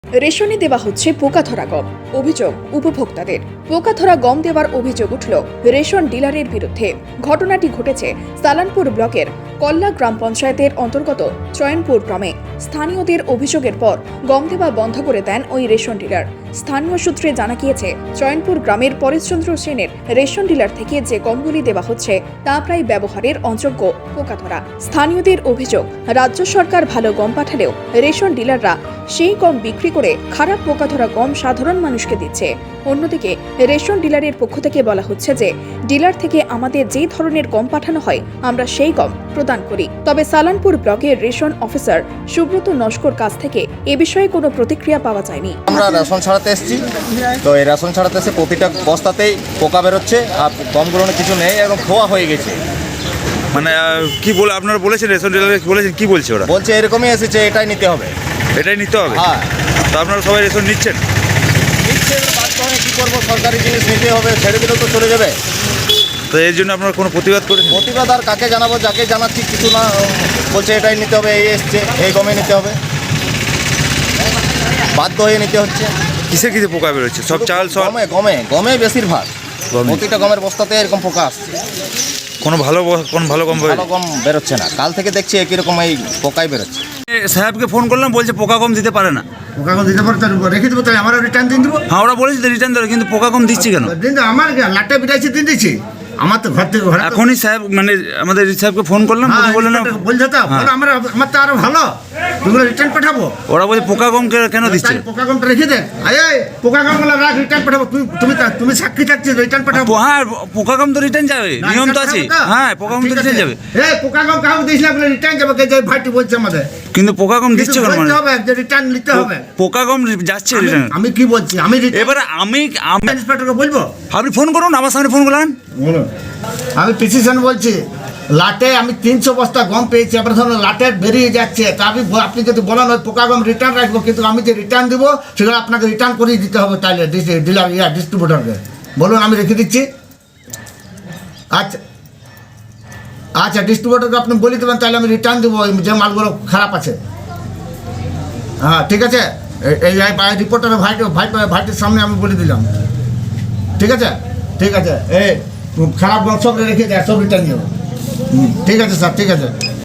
রেশনে দেওয়া হচ্ছে পোকাধরা গম, অভিযোগ উপভোক্তাদের। পোকাধরা গম দেওয়ার অভিযোগ উঠল রেশন ডিলারের বিরুদ্ধে। ঘটনাটি ঘটেছে সালানপুর ব্লকের কল্লা গ্রাম পঞ্চায়েতের অন্তর্গত চয়নপুর গ্রামে। স্থানীয়দের অভিযোগের পর গম দেওয়া বন্ধ করে দেন ওই রেশন ডিলার। স্থানীয় সূত্রে জানা গিয়েছে, চয়নপুর গ্রামের পরেশচন্দ্র সেনের রেশন ডিলার থেকে যে গমগুলি দেওয়া হচ্ছে তা প্রায় ব্যবহারের অযোগ্য, পোকাধরা। স্থানীয়দের অভিযোগ, রাজ্য সরকার ভালো গম পাঠালেও রেশন ডিলাররা সেই গম বিক্রি করে খারাপ পোকাধরা গম সাধারণ মানুষকে দিচ্ছে। অন্যদিকে রেশন ডিলারের পক্ষ থেকে বলা হচ্ছে যে ডিলার থেকে আমাদের যে ধরনের গম পাঠানো হয় আমরা সেই গম প্রদান করি। তবে সালানপুর ব্লকের রেশন অফিসার সুব্রত নস্কর কাছ থেকে এ বিষয়ে কোনো প্রতিক্রিয়া পাওয়া যায়নি। আমরা রেশন ছাড়াতে এসেছি, তো এই রেশন ছাড়াতে এসে প্রতিটা বস্তাতেই পোকা বেরোচ্ছে আর গমগুলো কিছু নেই, এবং খোয়া হয়ে গেছে। মানে কি বলে আপনারা বলেছেন, রেশন ডিলারকে বলেছেন, কি বলছে ওরা? বলছে এরকমই এসেছে, এটাই নিতে হবে। এটাই নিতে হবে? হ্যাঁ। তো আপনারা সবাই রেশন নিচ্ছেন? নিচ্ছে, বাধ্য হয়ে কী করবো, সরকারি জিনিস নিতে হবে, ছেড়ে দিলেও তো চলে যাবে। তো এর জন্য আপনারা কোনো প্রতিবাদ করেছেন? প্রতিবাদ আর কাকে জানাবো, যাকে জানাচ্ছি কিছু না, বলছে এটাই নিতে হবে, এই এসছে, এই গমে নিতে হবে, বাধ্য হয়ে নিতে হচ্ছে। কিসে কিসে পোকা বেরোচ্ছে? সব চাল সব গমে গমে গমে বেশিরভাগ, গমে। প্রতিটা গমের বস্তাতে এরকম পোকা আসছে। কোনো ভালো গম ভালো গম বেরোচ্ছে না, কাল থেকে দেখছি একই রকম এই পোকাই বেরোচ্ছে। সাহেবকে ফোন করলাম, বলছে পোকা গম দিতে পারে না। পোকা কম দিতে পারতো, রেখে দেবো, তাহলে আমার রিটার্ন দিন দেবো। হ্যাঁ, ওরা বলেছে রিটার্ন দেবে, কিন্তু পোকা গম দিচ্ছি কেন? দিন তো আমার লাটে বিটাইছে দিন দিচ্ছি, আমার তো ঘর থেকে ঘরে তো- এখনই সাহেব মানে আমাদের সাহেবকে ফোন করলাম, হ্যাঁ, উনি বললেন বলছে তো হ্যাঁ। বলো, আমার তো আরো ভালো, তুইগুলো রিটার্ন পাঠাবো। ওরা বলছে পোকা গম কেন দিচ্ছে? তাহলে পোকা কমটা রেখে দেন, এই পোকা কমগুলো রাখ, রিটার্ন পাঠাবো। তুমি সাক্ষী থাকছিস, রিটার্ন পাঠাবো। হ্যাঁ, পোকা গম তো রিটার্ন যাবে, না, নিয়ম তো return আছে। পাঠাবো তো? হ্যাঁ, পোকা গম তো ঠিক রিটার্ন আছে। যাবে, এই পোকা কম কাউকে দিস না, বলে রিটার্ন যাবে, কে যে ভাইটি বলছে আমাদের। কিন্তু পোকা গম দিচ্ছে কিন্তু কেন? বলতে মানে হবে যে রিটার্ন নিতে হবে। পোকা গম যাচ্ছে রিটার্ন। আমি কি বলছি, আমি এবারে আমি ইন্সপেক্টরকে বলবো। আপনি ফোন করুন, আমার সামনে ফোন করলেন। বলুন, আমি প্রিসিশন বলছি, লাটে আমি 300 বস্তা গম পেয়েছি, এবার ধরুন লাটে বেরিয়ে যাচ্ছে, তা আপনি যদি বলেন ওই পোকা গম রিটার্ন রাখবো, কিন্তু আমি যে রিটার্ন দিব সেগুলো আপনাকে রিটার্ন করিয়ে দিতে হবে, তাইলে ডিলার ডিস্ট্রিবিউটরকে বলুন, আমি রেখে দিচ্ছি। আচ্ছা আচ্ছা, ডিস্ট্রিবিউটরকে আপনি বলে দেবেন, তাহলে আমি রিটার্ন দেবো যে মালগুলো খারাপ আছে। হ্যাঁ, ঠিক আছে, এই রিপোর্টারের ভাইটির সামনে আমি বলে দিলাম। ঠিক আছে, ঠিক আছে, এই খারাপ গম সব রেখে দেয়, সব রিটার্ন দেবো। ঠিক আছে স্যার, ঠিক আছে।